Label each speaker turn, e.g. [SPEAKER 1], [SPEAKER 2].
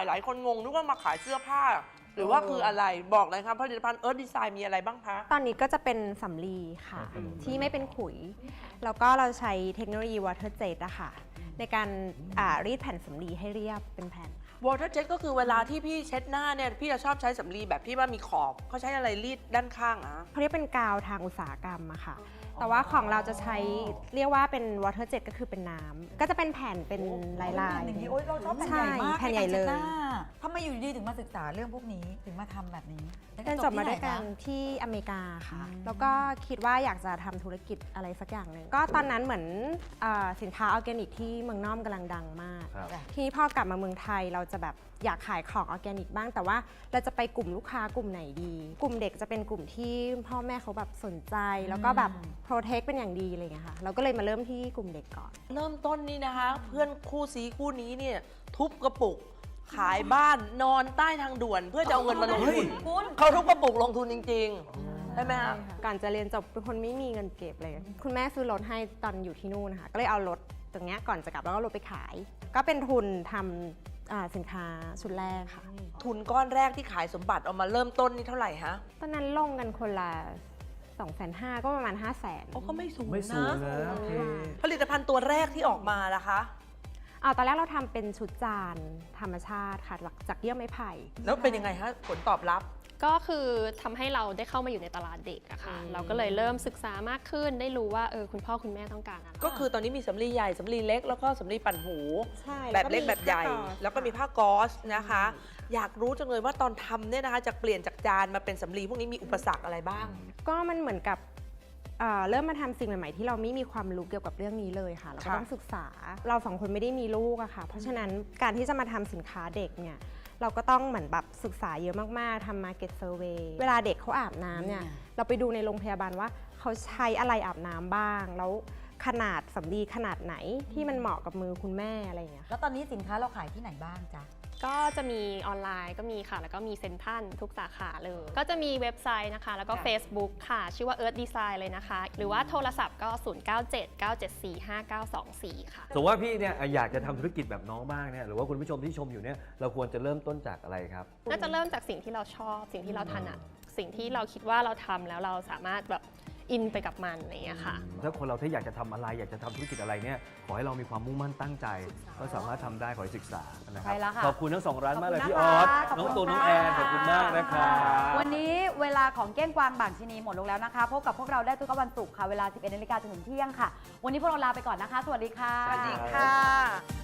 [SPEAKER 1] หลายคนงงนึกว่ามาขายเสื้อผ้า หรือว่าคืออะไรบอกเลยครับผลิตภัณฑ์เอิร์ธดีไซน์มีอะไรบ้างคะ
[SPEAKER 2] ตอนนี้ก็จะเป็นสำลีค่ะ ที่ไม่เป็นขุย แล้วก็เราใช้เทคโนโลยี Water Jet อะค่ะในการรีดแผ่นสำลีให้เรียบเป็นแผ่นค่ะ
[SPEAKER 1] Water Jet ก็คือเวลาที่พี่เช็ดหน้าเนี่ยพี่จะชอบใช้สำลีแบบที่ว่ามีขอบเขาใช้อะไรรีดด้านข้างอะ
[SPEAKER 2] เขาเรียกเป็นกาวทางอุตสาหกรรมอะค่ะ แต่ว่าของเราจะใช้เรียกว่าเป็น Water Jet ก็คือเป็นน้ำก็จะเป็นแผ่นเป็นลาย
[SPEAKER 3] อย่างนี้โอ๊ยเราชอบแผ่นใหญ่มาก
[SPEAKER 2] แผ่นใหญ่เลย
[SPEAKER 3] นการช็ดน้าทำไมอยู่ดีๆถึงมาศึกษาเรื่องพวกนี้ถึงมาทำแบบนี้
[SPEAKER 2] เรียนจบมาด้วยกันที่อเมริกาค่ะ แล้วก็คิดว่าอยากจะทำธุรกิจอะไรสักอย่างหนึ่งก็ตอนนั้นเหมือนสินค้าออร์แกนิกที่เมืองนอกกำลังดังมาก ทีนี้พอกลับมาเมืองไทยเราจะแบบอยากขายของออร์แกนิกบ้างแต่ว่าเราจะไปกลุ่มลูกค้ากลุ่มไหนดี กลุ่มเด็กจะเป็นกลุ่มที่พ่อแม่เขาแบบสนใจ แล้วก็แบบโปรเทคเป็นอย่างดีอะไรอย่างเงี้ยค่ะเราก็เลยมาเริ่มที่กลุ่มเด็กก่อน
[SPEAKER 1] เริ่มต้นนี่นะคะ เพื่อนคู่ซีคู่นี้เนี่ยทุบกระปุก ขายบ้านนอนใต้ทางด่วน เพื่อจะเอาเงินมาลงทุนเขาทุบกระปุกลงทุนจริงๆใช่ไหมคะ
[SPEAKER 2] ก่อนจะเรียนจบเป็นคนไม่มีเงินเก็บเลย คุณแม่ซื้อรถให้ตอนอยู่ที่นู่นนะคะก็เลยเอารถตรงเนี้ยก่อนจะกลับแล้วก็รถไปขาย ก็เป็นทุนทำสินค้าชุดแรกค่ะ
[SPEAKER 1] ทุนก้อนแรกที่ขายสมบัติเอามาเริ่มต้นนี่เท่าไหร่ฮะ
[SPEAKER 2] ตอนนั้นลงกันคนละ250,000ก็ประมาณ 500,000
[SPEAKER 1] โอ้ก็ไม่สูง
[SPEAKER 4] ไม่สูง
[SPEAKER 1] นะ
[SPEAKER 4] นะโอเค
[SPEAKER 1] ผลิตภัณฑ์ตัวแรกที่ออกมาล่ะคะ
[SPEAKER 2] ตอนแรกเราทำเป็นชุดจานธรรมชาติค่ะจากเยื่อไม้ไผ่
[SPEAKER 1] แล้วเป็นยังไงฮะผลตอบรับ
[SPEAKER 5] ก็คือทำให้เราได้เข้ามาอยู่ในตลาดเด็กอะค่ะเราก็เลยเริ่มศึกษามากขึ้นได้รู้ว่าคุณพ่อคุณแม่ต้องการอะไร
[SPEAKER 1] ก็คือตอนนี้มีสำลีใหญ่สำลีเล็กแล้วก็สำลีปั่นหู
[SPEAKER 2] ใช่
[SPEAKER 1] แบบเล็ก
[SPEAKER 2] มี
[SPEAKER 1] แบบใหญ่
[SPEAKER 2] ผ้าก๊อซ
[SPEAKER 1] แล้วก็มีผ้าก๊อซนะคะ อยากรู้จังเลยว่าตอนทำเนี่ยนะคะจะเปลี่ยนจากจานมาเป็นสำลีพวกนี้มีอุปสรรคอะไรบ้าง
[SPEAKER 2] ก็มันเหมือนกับเริ่มมาทำสิ่งใหม่ๆที่เราไม่มีความรู้เกี่ยวกับเรื่องนี้เลยค่ะเราก็
[SPEAKER 1] ค่ะ
[SPEAKER 2] ต้องศึกษาเราสองคนไม่ได้มีลูกอะค่ะ เพราะฉะนั้นการที่จะมาทำสินค้าเด็กเนี่ยเราก็ต้องเหมือนแบบศึกษาเยอะมากๆทำ market survey เวลาเด็กเขาอาบน้ำเนี่ยเราไปดูในโรงพยาบาลว่าเขาใช้อะไรอาบน้ำบ้าง แล้วขนาดสำลีขนาดไหนที่มันเหมาะกับมือคุณแม่อะไรอย่างเงี้ย
[SPEAKER 3] แล้วตอนนี้สินค้าเราขายที่ไหนบ้างจ๊ะ
[SPEAKER 5] ก็จะมีออนไลน์ก็มีค่ะ แล้วก็มีเซ็นทรัลทุกสาขาเลย ก็จะมีเว็บไซต์นะคะ แล้วก็ Facebook ค่ะ ชื่อว่า Earth Design เลยนะคะ หรือว่าโทรศัพท์ก็ 0979745924 ค่ะ
[SPEAKER 4] สมมติว่าพี่เนี่ยอยากจะทำธุรกิจแบบน้องบ้างเนี่ยหรือว่าคุณผู้ชมที่ชมอยู่เนี่ยเราควรจะเริ่มต้นจากอะไรครับ
[SPEAKER 5] ก็จะเริ่มจากสิ่งที่เราชอบ สิ่งที่เราถนัด สิ่งที่เราคิดว่าเราทำแล้วเราสามารถแบบอินไปกับมันอะไรอย่างเงี้ยค่ะ
[SPEAKER 4] ถ้าคนเราถ้าอยากจะทำอะไรอยากจะทำธุรกิจอะไรเนี่ยขอให้เรามีความมุ่งมั่นตั้งใจ ก็สามารถทำได้ขอให้ศึกษานะครั
[SPEAKER 3] ใช่แล้วค่ะ
[SPEAKER 4] ขอบคุณทั้งสองร้านมากเลย
[SPEAKER 3] ขอบคุณ
[SPEAKER 4] พี่ออส
[SPEAKER 3] นะคะ
[SPEAKER 4] น้องตูน
[SPEAKER 3] ขอบคุณ
[SPEAKER 4] น้องแอน
[SPEAKER 3] ค่ะ
[SPEAKER 4] ขอบคุณมากนะครับ
[SPEAKER 3] วันนี้เวลาของเก้งกวางบางชะนีหมดลงแล้วนะคะพบกับพวกเราได้ทุกวันศุกร์ค่ะเวลา 11 นาฬิกาจนถึงเที่ยงค่ะ วันนี้พวกเราลาไปก่อนนะคะ สวัสดีค่ะ
[SPEAKER 1] สวัสดีค่ะ